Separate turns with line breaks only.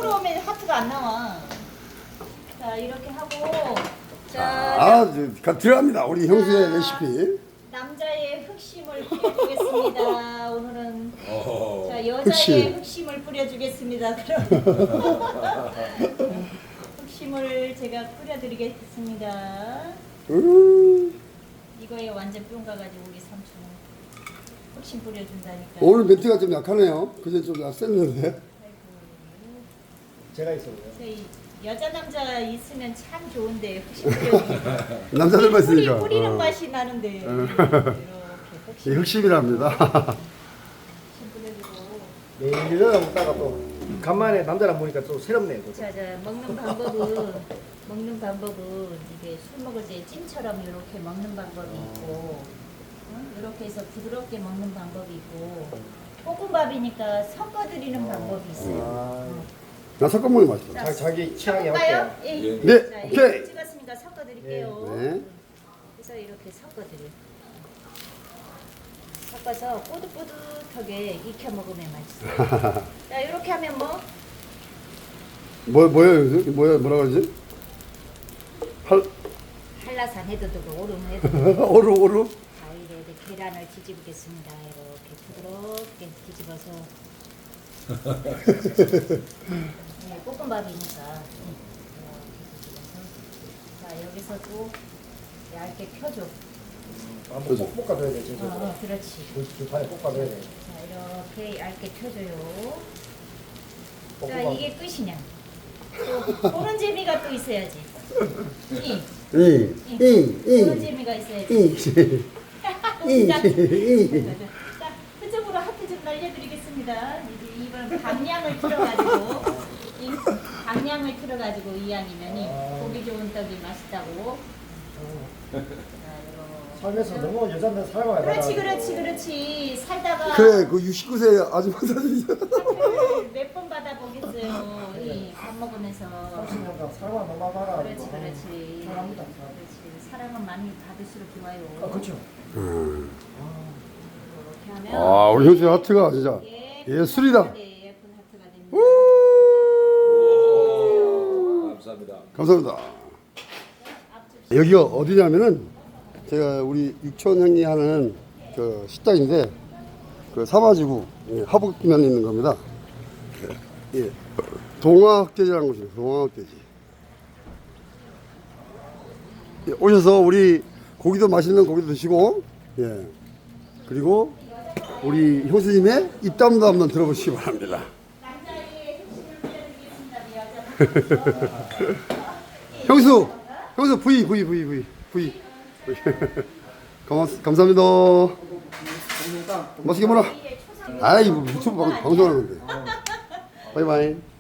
이쪽으로 오면 하트가 안 나와. 자, 이렇게 하고.
자, 들어갑니다. 우리 형수의 레시피.
남자의 흑심을 뿌려주겠습니다. 오늘은 자 여자의
흑심.
흑심을 뿌려주겠습니다. 그럼 흑심을 제가 뿌려드리겠습니다. 이거에 완전 뿅 가가지고 우리 삼촌은 흑심 뿌려준다니까.
오늘 멘트가 좀 약하네요. 그제 좀 셌는데.
제가 있어요.
저희 여자 남자 있으면 참 좋은데 흑심 뿌려주니까
남자들만 있으니까.
뿌리는 맛이 나는데 이렇게
이 흑심이랍니다.
흑심 뿌려주고.
매일 일어나 먹다가 또 간만에 남자랑 보니까 또 새롭네요. 또.
자, 먹는 방법은 이게 술 먹을 때 찜처럼 이렇게 먹는 방법이 있고, 이렇게 해서 부드럽게 먹는 방법이 있고, 볶음밥이니까 섞어드리는 방법이 있어요.
나 섞어먹는 맛있어.
자기 취향에
섞을까요?
맞게.
예.
네,
자,
오케이.
이렇게 찍었으니까 섞어드릴게요.
네.
그래서 이렇게 섞어드려요. 섞어서 꼬득꼬득하게 익혀 먹으면 맛있어요. 자, 이렇게 하면
뭐라 그러지?
한라산 해도 되고 오름 해도 되고
오루.
가위로 계란을 뒤집겠습니다. 이렇게 부드럽게 뒤집어서 네, 볶음밥이니까 자 여기서 또 얇게 펴줘.
한번 볶아줘야 돼. 지금.
그렇지.
두 판에 볶아줘야 돼.
자 이렇게 얇게 펴줘요. 자
볶음밥.
이게 끝이냐? 또 보는 재미가 또 있어야지. 보는 재미가 있어야지. 자, 그쪽으로 하트 좀 날려드리겠습니다. 이번 방향을 틀어가지고 이왕이면이 고기 좋은 떡이 맛있다고.
살면서 너무 여자들 사랑을
그렇지. 살다가
그래, 그 69세 아줌마 사진이야.
몇 번 받아보겠어요. 밥 먹으면서.
30년간 사랑을 너무 받아.
그렇지.
사랑합니다.
그렇지. 사랑은 많이 받을수록 좋아요.
그렇죠.
이렇게 하면.
아, 우리 형수 하트가 진짜 예술이다.
네, 예쁜 하트가 됩니다.
감사합니다. 여기가 어디냐면은 제가 우리 육촌 형이 하는 그 식당인데 그 사마지구 하북면에 있는 겁니다. 예. 동화흑돼지라는 곳이에요. 동화흑돼지. 예, 오셔서 우리 고기도 맛있는 고기도 드시고 예. 그리고 우리 형수님의 입담도 한번 들어보시기 바랍니다. 형수 V. 감사합니다. 맛있게 먹어라. 아이, 유튜브 방송하는데. 바이바이.